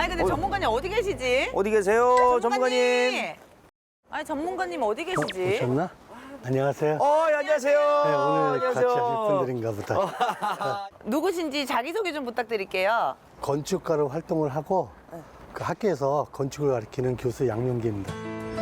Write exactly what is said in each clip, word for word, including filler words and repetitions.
근데 어. 전문가님 어디 계시지? 어디 계세요, 전문가님? 아니 전문가님 어디 계시지? 오셨나? 안녕하세요. 어, 예, 안녕하세요. 네, 오늘 안녕하세요. 같이 하실 분들인가 보다. 누구신지 자기소개 좀 부탁드릴게요. 건축가로 활동을 하고 그 학교에서 건축을 가르치는 교수 양용기입니다.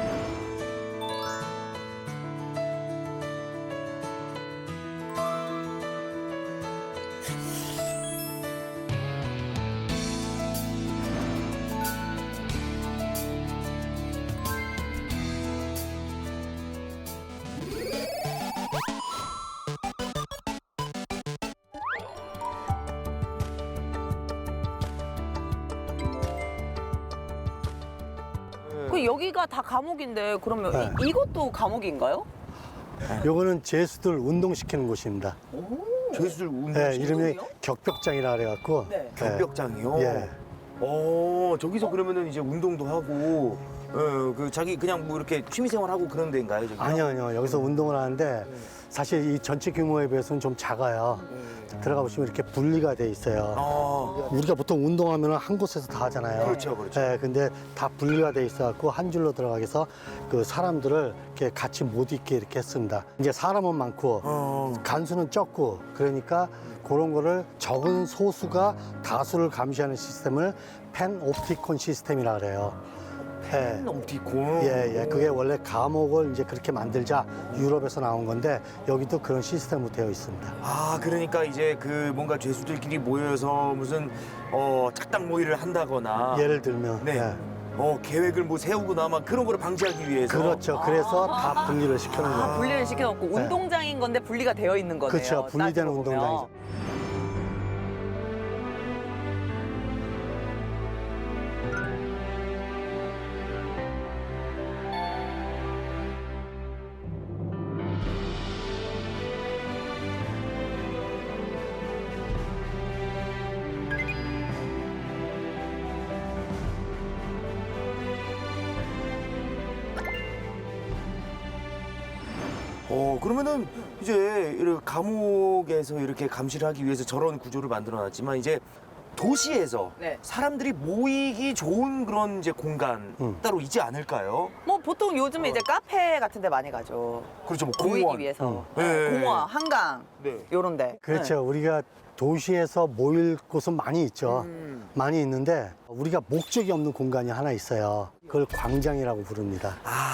그 여기가 다 감옥인데 그러면 네. 이, 이것도 감옥인가요? 요거는 죄수들 운동시키는 곳입니다. 죄수들 운동. 네, 이름이 운동이요? 격벽장이라 그래갖고. 네. 격벽장이요? 예. 어, 저기서 그러면은 이제 운동도 하고, 어, 그 자기 그냥 뭐 이렇게 취미생활 하고 그런 데인가요, 저기? 아니요, 아니요. 여기서 운동을 하는데 사실 이 전체 규모에 비해서는 좀 작아요. 들어가 보시면 이렇게 분리가 돼 있어요. 아, 우리가 보통 운동하면 한 곳에서 다 하잖아요. 그렇죠, 그렇죠. 네, 근데 다 분리가 돼 있어갖고 한 줄로 들어가게 해서 그 사람들을 이렇게 같이 못 있게 이렇게 했습니다. 이제 사람은 많고 어. 간수는 적고 그러니까 그런 거를 적은 소수가 다수를 감시하는 시스템을 펜옵티콘 시스템이라 그래요. 예. 옵티콘. 예, 예. 그게 원래 감옥을 이제 그렇게 만들자 유럽에서 나온 건데 여기도 그런 시스템으로 되어 있습니다. 아, 그러니까 이제 그 뭔가 죄수들끼리 모여서 무슨 어 작당 모의를 한다거나 예를 들면 네. 예. 어 계획을 뭐 세우거나 막 그런 거를 방지하기 위해서. 그렇죠. 그래서 다 분리를 시켜놓은 거예요. 아, 분리를 시켜놓고 네. 운동장인 건데 분리가 되어 있는 거네요. 그렇죠. 분리된 따지고 보면. 운동장이죠. 어 그러면은 이제 이렇게 감옥에서 이렇게 감시를 하기 위해서 저런 구조를 만들어놨지만 이제 도시에서 네. 사람들이 모이기 좋은 그런 이제 공간 음. 따로 있지 않을까요? 뭐 보통 요즘에 이제 카페 같은 데 많이 가죠. 그렇죠, 뭐 모이기 공원. 위해서. 음. 네, 네. 공원, 한강 네. 요런 데. 그렇죠. 우리가 도시에서 모일 곳은 많이 있죠. 음. 많이 있는데 우리가 목적이 없는 공간이 하나 있어요. 그걸 광장이라고 부릅니다.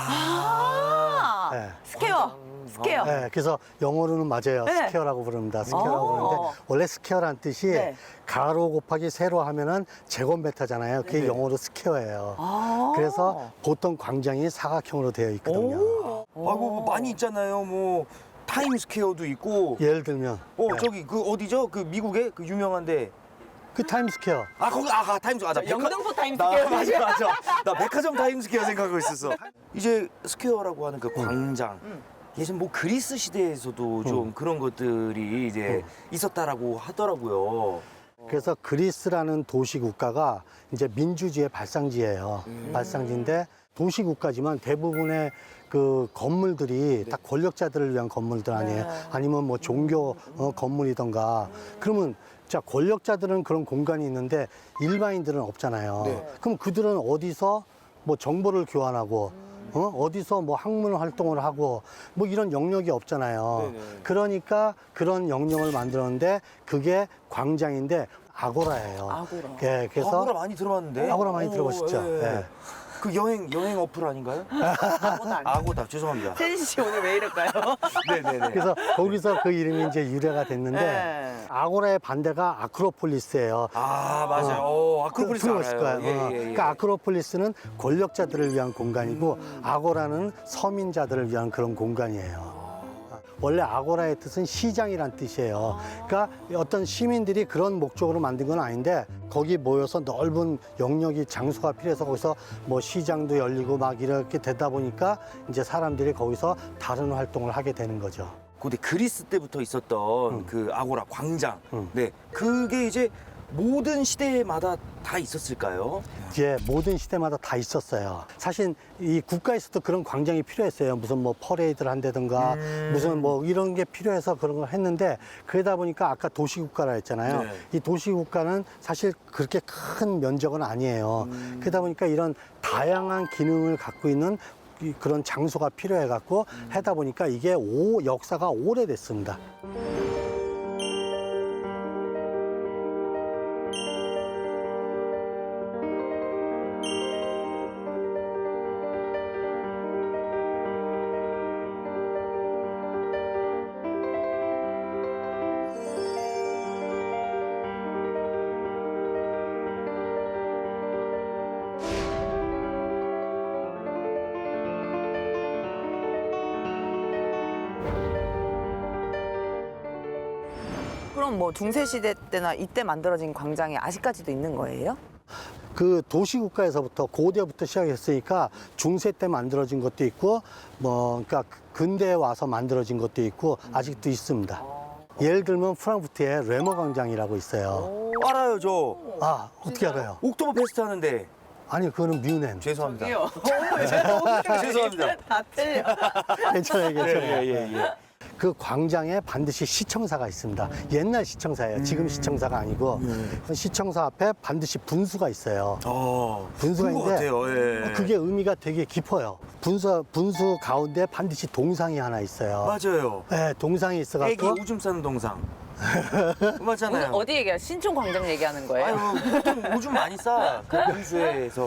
아, 네. 스퀘어. 스퀘어. 네, 그래서 영어로는 맞아요. 네. 스퀘어라고 부릅니다. 스퀘어라고 어. 부르는데 원래 스퀘어란 뜻이 네. 가로 곱하기 세로 하면은 제곱미터잖아요. 그게 네. 영어로 스퀘어예요. 아. 그래서 보통 광장이 사각형으로 되어 있거든요. 오. 아이고 뭐 많이 있잖아요. 뭐 타임스퀘어도 있고. 예를 들면 어 네. 저기 그 어디죠? 그 미국의 그 유명한데. 그 타임스퀘어. 아 거기 아가 타임스 아나 영등포 나 타임스퀘어. 맞아 맞아. 나 백화점 타임스퀘어 생각하고 있었어. 이제 스퀘어라고 하는 그 광장. 음. 예전 뭐 그리스 시대에서도 좀 그런 것들이 이제 있었다라고 하더라고요. 그래서 그리스라는 도시 국가가 이제 민주주의의 발상지예요. 발상지인데 도시 국가지만 대부분의 그 건물들이 다 권력자들을 위한 건물들 아니에요. 네. 아니면 뭐 종교 어, 건물이던가. 그러면 자 권력자들은 그런 공간이 있는데 일반인들은 없잖아요. 네. 그럼 그들은 어디서 뭐 정보를 교환하고 어? 어디서 뭐 학문 활동을 하고 뭐 이런 영역이 없잖아요. 네네. 그러니까 그런 영역을 만들었는데 그게 광장인데 아고라예요. 아고라. 예, 그래서 아고라 많이 들어봤는데. 아고라 많이 오, 들어보셨죠? 예. 예. 그 여행 여행 어플 아닌가요? 아무도 안 아고다 죄송합니다. 세진 씨 오늘 왜 이럴까요? 네네네. 그래서 거기서 그 이름이 이제 유래가 됐는데 네. 아고라의 반대가 아크로폴리스예요. 아 맞아요. 어, 아크로폴리스 들어보실 알아요. 거예요. 어. 예, 예, 예. 그러니까 아크로폴리스는 권력자들을 위한 공간이고 음. 아고라는 서민자들을 위한 그런 공간이에요. 원래 아고라의 뜻은 시장이란 뜻이에요. 그러니까 어떤 시민들이 그런 목적으로 만든 건 아닌데 거기 모여서 넓은 영역이 장소가 필요해서 거기서 뭐 시장도 열리고 막 이렇게 되다 보니까 이제 사람들이 거기서 다른 활동을 하게 되는 거죠. 근데 그리스 때부터 있었던 음. 그 아고라 광장. 음. 네. 그게 이제 모든 시대마다 다 있었을까요? 이제 모든 시대마다 다 있었어요. 사실 이 국가에서도 그런 광장이 필요했어요. 무슨 뭐 퍼레이드를 한다든가 음. 무슨 뭐 이런 게 필요해서 그런 걸 했는데 그러다 보니까 아까 도시국가라 했잖아요. 네. 이 도시국가는 사실 그렇게 큰 면적은 아니에요. 음. 그러다 보니까 이런 다양한 기능을 갖고 있는 이- 그런 장소가 필요해갖고 음. 하다 보니까 이게 오, 역사가 오래됐습니다. 그럼 뭐 중세 시대 때나 이때 만들어진 광장이 아직까지도 있는 거예요? 그 도시국가에서부터 고대부터 시작했으니까 중세 때 만들어진 것도 있고 뭐 그러니까 근대에 와서 만들어진 것도 있고 아직도 있습니다. 예를 들면 프랑크푸르트에 레머 광장이라고 있어요. 알아요, 저. 아, 어떻게 알아요? 옥토버 페스트 하는데. 아니, 그거는 뮌헨. 죄송합니다. 죄송합니다. 죄송합니다. 다 틀려. 괜찮아요, 괜찮아요. 예, 예, 예. 그 광장에 반드시 시청사가 있습니다. 옛날 시청사예요. 지금 시청사가 아니고 시청사 앞에 반드시 분수가 있어요. 어, 분수가 그런 것 있는데 같아요. 예. 그게 의미가 되게 깊어요. 분수 분수 가운데 반드시 동상이 하나 있어요. 맞아요. 네, 동상이 애기 있어갖고 오줌 싸는 동상. 맞잖아요. 어디 얘기야? 신촌 광장 얘기하는 거예요? 아유, 보통 오줌 많이 싸. 그 분수에서.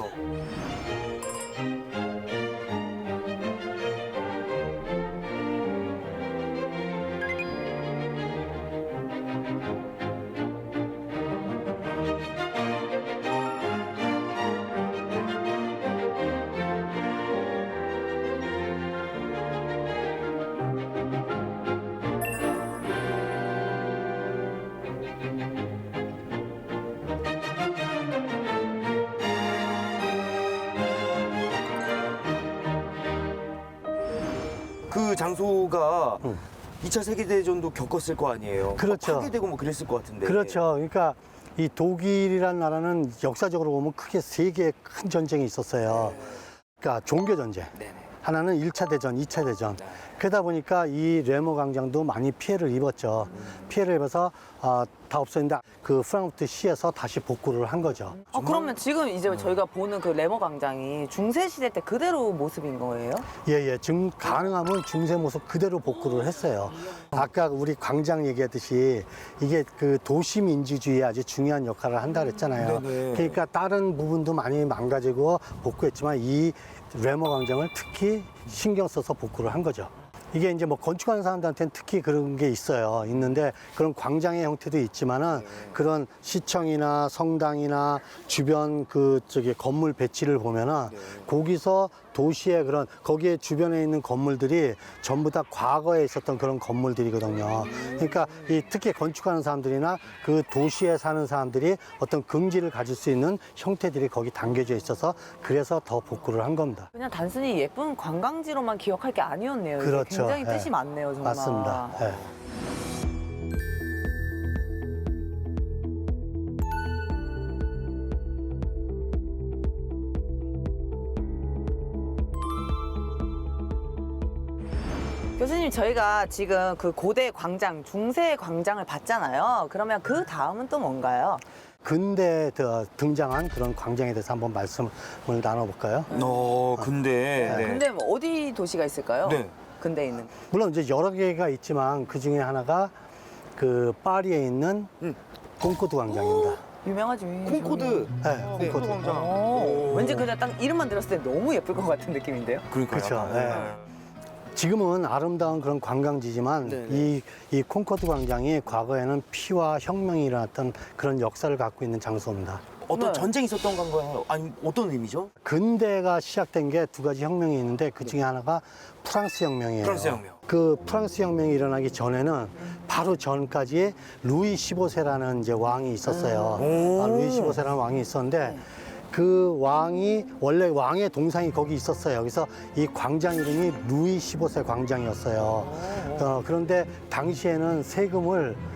그 장소가 응. 이 차 세계대전도 겪었을 거 아니에요. 그렇죠. 파괴되고 뭐 그랬을 것 같은데. 그렇죠. 그러니까 이 독일이라는 나라는 역사적으로 보면 크게 세 개의 큰 전쟁이 있었어요. 그러니까 종교 전쟁. 네네. 하나는 일 차 대전, 이 차 대전. 그러다 보니까 이 레모 광장도 많이 피해를 입었죠. 피해를 입어서 아, 다 없어졌는데 그 프랑크푸르트 시에서 다시 복구를 한 거죠. 아, 그러면 지금 이제 저희가 보는 그 레머 광장이 중세 시대 때 그대로 모습인 거예요? 예, 예. 지금 가능하면 중세 모습 그대로 복구를 했어요. 아까 우리 광장 얘기했듯이 이게 그 도시 민주주의에 아주 중요한 역할을 한다 그랬잖아요. 네네. 그러니까 다른 부분도 많이 망가지고 복구했지만 이 레머 광장을 특히 신경 써서 복구를 한 거죠. 이게 이제 뭐 건축하는 사람들한테는 특히 그런 게 있어요. 있는데 그런 광장의 형태도 있지만은 그런 시청이나 성당이나 주변 그 저기 건물 배치를 보면은 거기서 도시의 그런 거기에 주변에 있는 건물들이 전부 다 과거에 있었던 그런 건물들이거든요. 그러니까 이 특히 건축하는 사람들이나 그 도시에 사는 사람들이 어떤 긍지를 가질 수 있는 형태들이 거기 담겨져 있어서 그래서 더 복구를 한 겁니다. 그냥 단순히 예쁜 관광지로만 기억할 게 아니었네요. 이게 그렇죠. 굉장히 예. 뜻이 많네요, 정말. 맞습니다. 예. 교수님, 저희가 지금 그 고대 광장, 중세 광장을 봤잖아요. 그러면 그 다음은 또 뭔가요? 근대에 더 등장한 그런 광장에 대해서 한번 말씀을 나눠볼까요? 어, 근데. 네. 근데 뭐 어디 도시가 있을까요? 네. 근대에 있는. 물론 이제 여러 개가 있지만 그 중에 하나가 그 파리에 있는 음. 콩코드 광장입니다. 유명하지. 콩코드. 네, 네, 콩코드. 광장. 오, 오. 왠지 그냥 딱 이름만 들었을 때 너무 예쁠 것 같은 느낌인데요? 그러니까요. 그렇죠. 네. 지금은 아름다운 그런 관광지지만 네네. 이, 이 콩코드 광장이 과거에는 피와 혁명이 일어났던 그런 역사를 갖고 있는 장소입니다. 어떤 네. 전쟁이 있었던 건가요? 아니, 어떤 의미죠? 근대가 시작된 게 두 가지 혁명이 있는데 그 중에 하나가 프랑스 혁명이에요. 프랑스 혁명. 그 프랑스 혁명이 일어나기 전에는 바로 전까지 루이 십오 세라는 이제 왕이 있었어요. 오. 아, 루이 십오 세라는 왕이 있었는데 그 왕이 원래 왕의 동상이 거기 있었어요. 그래서 이 광장 이름이 루이 십오 세 광장이었어요. 어, 그런데 당시에는 세금을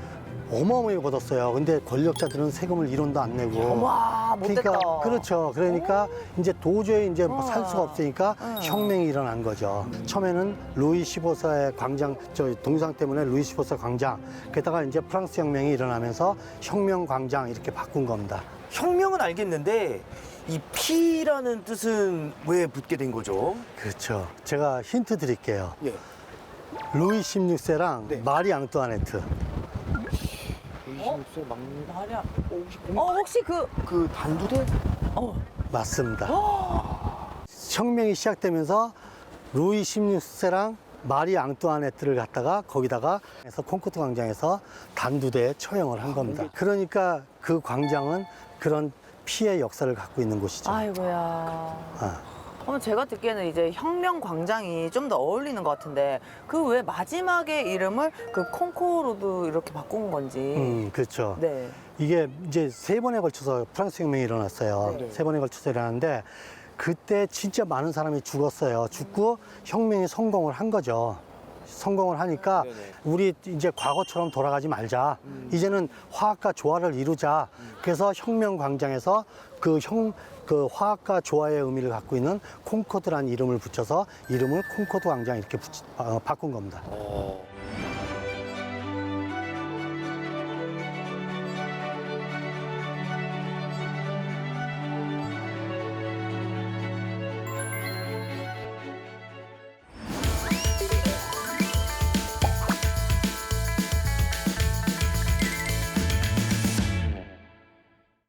어마어마하게 벌었어요. 근데 권력자들은 세금을 일 원도 안 내고. 와, 못됐다. 그러니까 그렇죠. 그러니까 이제 도저히 이제 뭐 살 어. 수가 없으니까 응. 혁명이 일어난 거죠. 처음에는 루이 십오 세의 광장, 저 동상 때문에 루이 십오 세 광장, 게다가 이제 프랑스 혁명이 일어나면서 혁명 광장 이렇게 바꾼 겁니다. 혁명은 알겠는데 이 피라는 뜻은 왜 붙게 된 거죠? 그렇죠. 제가 힌트 드릴게요. 예. 루이 십육 세랑 네. 마리 앙뚜아네트. 이십육 세 막 말이야. 어, 혹시 그, 그 단두대? 어, 맞습니다. 혁명이 시작되면서 루이 십육 세랑 마리 앙뚜아네트를 갖다가 거기다가 해서 콩코트 광장에서 단두대에 처형을 한 겁니다. 그러니까 그 광장은 그런 피의 역사를 갖고 있는 곳이죠. 아이고야. 아. 그럼 제가 듣기에는 이제 혁명 광장이 좀 더 어울리는 것 같은데 그 왜 마지막에 이름을 그 콩코르드 이렇게 바꾼 건지. 음, 그렇죠. 네. 이게 이제 세 번에 걸쳐서 프랑스 혁명이 일어났어요. 네. 세 번에 걸쳐서 일어났는데 그때 진짜 많은 사람이 죽었어요. 죽고 혁명이 성공을 한 거죠. 성공을 하니까 네네. 우리 이제 과거처럼 돌아가지 말자. 이제는 화학과 조화를 이루자. 그래서 혁명 광장에서 그 형, 그 화학과 조화의 의미를 갖고 있는 콩코드라는 이름을 붙여서 이름을 콩코드 광장 이렇게 붙이, 어, 바꾼 겁니다. 어.